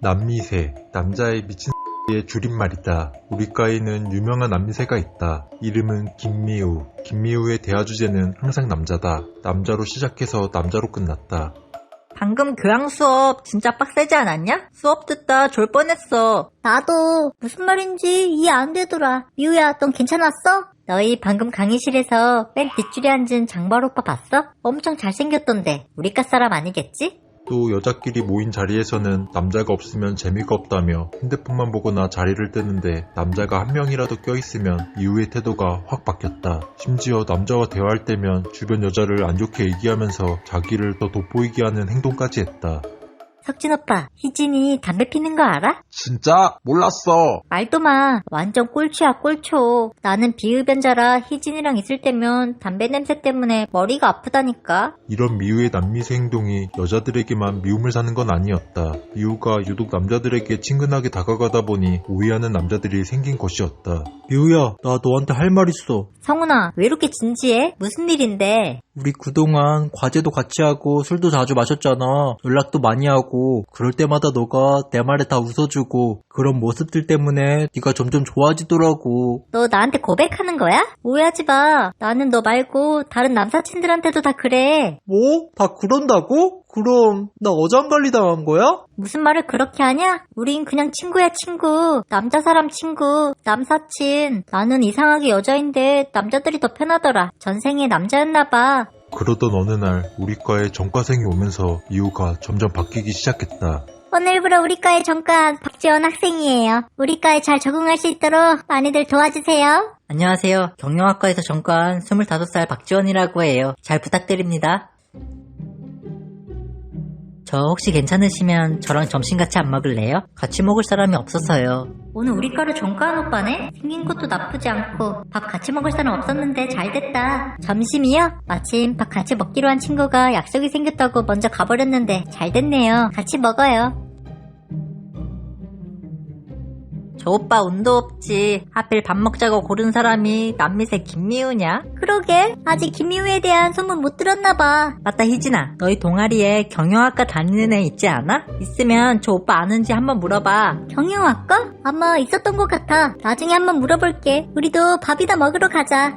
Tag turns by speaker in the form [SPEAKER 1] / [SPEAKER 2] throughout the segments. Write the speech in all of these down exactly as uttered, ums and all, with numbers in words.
[SPEAKER 1] 남미새, 남자의 미친 의 줄임말이다. 우리과에는 유명한 남미새가 있다. 이름은 김미우. 김미우의 대화 주제는 항상 남자다. 남자로 시작해서 남자로 끝났다.
[SPEAKER 2] 방금 교양 수업 진짜 빡세지 않았냐? 수업 듣다 졸 뻔했어.
[SPEAKER 3] 나도 무슨 말인지 이해 안 되더라. 미우야, 넌 괜찮았어?
[SPEAKER 2] 너희 방금 강의실에서 맨 뒷줄에 앉은 장발 오빠 봤어? 엄청 잘생겼던데 우리과 사람 아니겠지?
[SPEAKER 1] 또 여자끼리 모인 자리에서는 남자가 없으면 재미가 없다며 핸드폰만 보거나 자리를 뜨는데 남자가 한 명이라도 껴있으면 이후의 태도가 확 바뀌었다. 심지어 남자와 대화할 때면 주변 여자를 안 좋게 얘기하면서 자기를 더 돋보이게 하는 행동까지 했다.
[SPEAKER 2] 석진 오빠, 희진이 담배 피는 거 알아?
[SPEAKER 4] 진짜? 몰랐어.
[SPEAKER 2] 말도 마. 완전 꼴초야 꼴초. 나는 비흡연자라 희진이랑 있을 때면 담배 냄새 때문에 머리가 아프다니까.
[SPEAKER 1] 이런 미우의 남미새 행동이 여자들에게만 미움을 사는 건 아니었다. 미우가 유독 남자들에게 친근하게 다가가다 보니 오해하는 남자들이 생긴 것이었다.
[SPEAKER 5] 미우야, 나 너한테 할 말 있어.
[SPEAKER 2] 성훈아, 왜 이렇게 진지해? 무슨 일인데?
[SPEAKER 5] 우리 그동안 과제도 같이 하고 술도 자주 마셨잖아. 연락도 많이 하고 그럴 때마다 너가 내 말에 다 웃어주고 그런 모습들 때문에 네가 점점 좋아지더라고.
[SPEAKER 2] 너 나한테 고백하는 거야? 오해하지 마. 나는 너 말고 다른 남사친들한테도 다 그래.
[SPEAKER 5] 뭐? 다 그런다고? 그럼 나 어장관리 당한 거야?
[SPEAKER 2] 무슨 말을 그렇게 하냐? 우린 그냥 친구야 친구. 남자 사람 친구. 남사친. 나는 이상하게 여자인데 남자들이 더 편하더라. 전생에 남자였나 봐.
[SPEAKER 1] 그러던 어느 날 우리과에 전과생이 오면서 미우가 점점 바뀌기 시작했다.
[SPEAKER 3] 오늘부로 우리과의 전과 박지원 학생이에요. 우리과에 잘 적응할 수 있도록 많이들 도와주세요.
[SPEAKER 2] 안녕하세요. 경영학과에서 전과한 스물다섯 살 박지원이라고 해요. 잘 부탁드립니다. 저 혹시 괜찮으시면 저랑 점심 같이 안 먹을래요? 같이 먹을 사람이 없어서요. 오늘 우리 과로 전과한 오빠네? 생긴 것도 나쁘지 않고 밥 같이 먹을 사람 없었는데 잘 됐다. 점심이요? 마침 밥 같이 먹기로 한 친구가 약속이 생겼다고 먼저 가버렸는데 잘 됐네요. 같이 먹어요. 저 오빠 운도 없지. 하필 밥 먹자고 고른 사람이 남미새 김미우냐?
[SPEAKER 3] 그러게, 아직 김미우에 대한 소문 못 들었나봐.
[SPEAKER 2] 맞다 희진아, 너희 동아리에 경영학과 다니는 애 있지 않아? 있으면 저 오빠 아는지 한번 물어봐.
[SPEAKER 3] 경영학과? 아마 있었던 것 같아. 나중에 한번 물어볼게. 우리도 밥이나 먹으러 가자.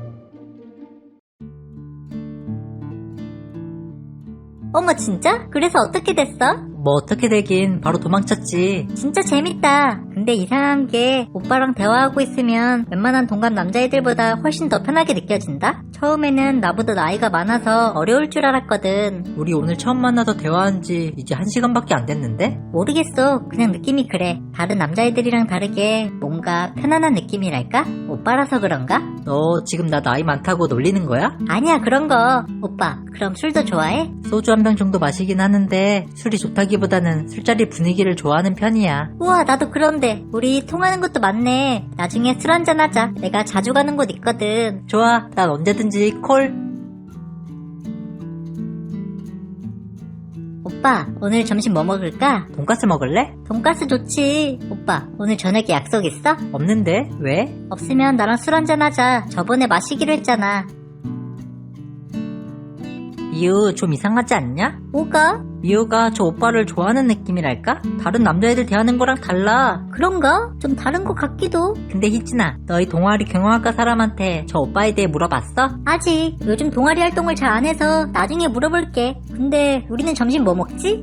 [SPEAKER 2] 어머 진짜? 그래서 어떻게 됐어? 뭐 어떻게 되긴 바로 도망쳤지. 진짜 재밌다. 근데 이상한 게 오빠랑 대화하고 있으면 웬만한 동갑 남자애들보다 훨씬 더 편하게 느껴진다? 처음에는 나보다 나이가 많아서 어려울 줄 알았거든. 우리 오늘 처음 만나서 대화한 지 이제 한 시간밖에 안 됐는데? 모르겠어. 그냥 느낌이 그래. 다른 남자애들이랑 다르게 뭔가 편안한 느낌이랄까? 오빠라서 그런가? 너 지금 나 나이 많다고 놀리는 거야? 아니야 그런 거. 오빠 그럼 술도 좋아해? 소주 한 병 정도 마시긴 하는데 술이 좋다기보다는 술자리 분위기를 좋아하는 편이야.
[SPEAKER 3] 우와, 나도 그런데. 우리 통하는 것도 많네. 나중에 술 한잔 하자. 내가 자주 가는 곳 있거든.
[SPEAKER 2] 좋아, 난 언제든지 콜. 오빠, 오늘 점심 뭐 먹을까? 돈가스 먹을래?
[SPEAKER 3] 돈가스 좋지. 오빠, 오늘 저녁에 약속 있어?
[SPEAKER 2] 없는데? 왜?
[SPEAKER 3] 없으면 나랑 술 한잔 하자. 저번에 마시기로 했잖아.
[SPEAKER 2] 미우 좀 이상하지 않냐?
[SPEAKER 3] 뭐가?
[SPEAKER 2] 미우가 저 오빠를 좋아하는 느낌이랄까? 다른 남자애들 대하는 거랑 달라.
[SPEAKER 3] 그런가? 좀 다른 것 같기도.
[SPEAKER 2] 근데 희진아, 너희 동아리 경영학과 사람한테 저 오빠에 대해 물어봤어?
[SPEAKER 3] 아직 요즘 동아리 활동을 잘 안 해서 나중에 물어볼게. 근데 우리는 점심 뭐 먹지?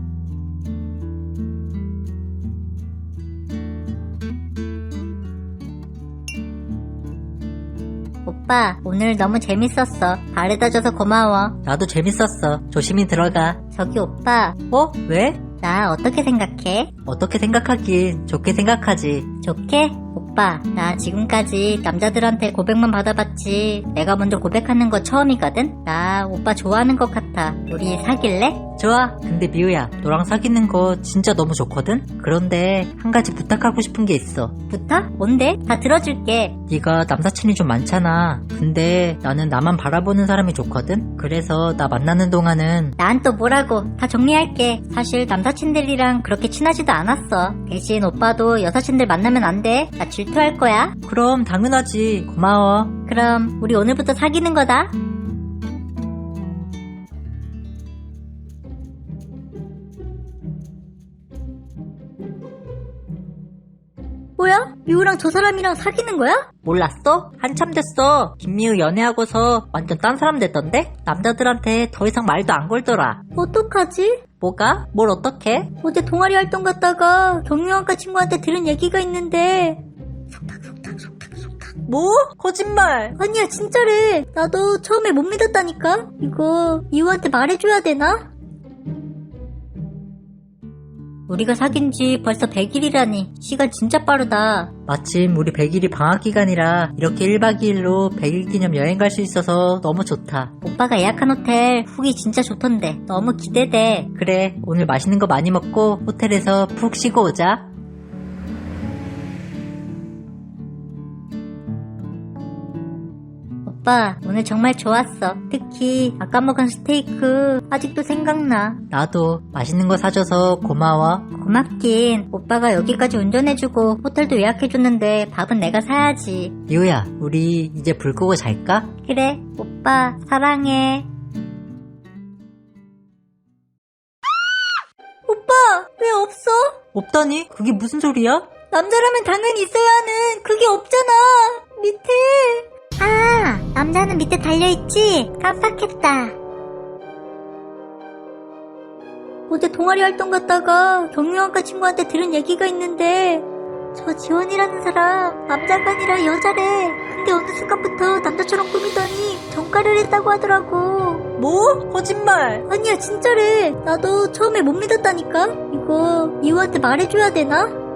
[SPEAKER 3] 오빠, 오늘 너무 재밌었어. 바래다줘서 고마워.
[SPEAKER 2] 나도 재밌었어. 조심히 들어가.
[SPEAKER 3] 저기 오빠,
[SPEAKER 2] 어? 왜?
[SPEAKER 3] 나 어떻게 생각해?
[SPEAKER 2] 어떻게 생각하긴 좋게 생각하지.
[SPEAKER 3] 좋게? 오빠, 나 지금까지 남자들한테 고백만 받아봤지 내가 먼저 고백하는 거 처음이거든? 나 오빠 좋아하는 것 같아. 우리 사귈래?
[SPEAKER 2] 좋아. 근데 미우야, 너랑 사귀는 거 진짜 너무 좋거든? 그런데 한 가지 부탁하고 싶은 게 있어.
[SPEAKER 3] 부탁? 뭔데? 다 들어줄게.
[SPEAKER 2] 네가 남사친이 좀 많잖아. 근데 나는 나만 바라보는 사람이 좋거든? 그래서 나 만나는 동안은
[SPEAKER 3] 난 또 뭐라고. 다 정리할게. 사실 남사친들이랑 그렇게 친하지도 않았어. 대신 오빠도 여사친들 만나면 안 돼. 나 질투할 거야.
[SPEAKER 2] 그럼 당연하지. 고마워.
[SPEAKER 3] 그럼 우리 오늘부터 사귀는 거다.
[SPEAKER 2] 거야? 미우랑 저 사람이랑 사귀는 거야?
[SPEAKER 3] 몰랐어? 한참 됐어. 김미우 연애하고서 완전 딴 사람 됐던데? 남자들한테 더 이상 말도 안 걸더라.
[SPEAKER 2] 어떡하지?
[SPEAKER 3] 뭐가? 뭘 어떡해?
[SPEAKER 2] 어제 동아리 활동 갔다가 경영학과 친구한테 들은 얘기가 있는데
[SPEAKER 3] 뭐? 거짓말!
[SPEAKER 2] 아니야 진짜래. 나도 처음에 못 믿었다니까. 이거 미우한테 말해줘야 되나? 우리가 사귄 지 벌써 백 일이라니 시간 진짜 빠르다.
[SPEAKER 3] 마침 우리 백 일이 방학 기간이라 이렇게 일 박 이 일로 백 일 기념 여행 갈 수 있어서 너무 좋다.
[SPEAKER 2] 오빠가 예약한 호텔 후기 진짜 좋던데 너무 기대돼.
[SPEAKER 3] 그래, 오늘 맛있는 거 많이 먹고 호텔에서 푹 쉬고 오자.
[SPEAKER 2] 오빠 오늘 정말 좋았어. 특히 아까 먹은 스테이크 아직도 생각나.
[SPEAKER 3] 나도 맛있는 거 사줘서 고마워.
[SPEAKER 2] 고맙긴. 오빠가 여기까지 운전해주고 호텔도 예약해줬는데 밥은 내가 사야지.
[SPEAKER 3] 미우야, 우리 이제 불 끄고 잘까?
[SPEAKER 2] 그래 오빠 사랑해. 오빠 왜 없어?
[SPEAKER 3] 없다니? 그게 무슨 소리야?
[SPEAKER 2] 남자라면 당연히 있어야 하는 그게 없잖아. 밑에. 아 남자는 밑에 달려있지? 깜빡했다. 어제 동아리 활동 갔다가 경영학과 친구한테 들은 얘기가 있는데 저 지원이라는 사람 남자가 아니라 여자래. 근데 어느 순간부터 남자처럼 꾸미더니 전과를 했다고 하더라고.
[SPEAKER 3] 뭐? 거짓말!
[SPEAKER 2] 아니야 진짜래. 나도 처음에 못 믿었다니까. 이거 미우한테 말해줘야 되나?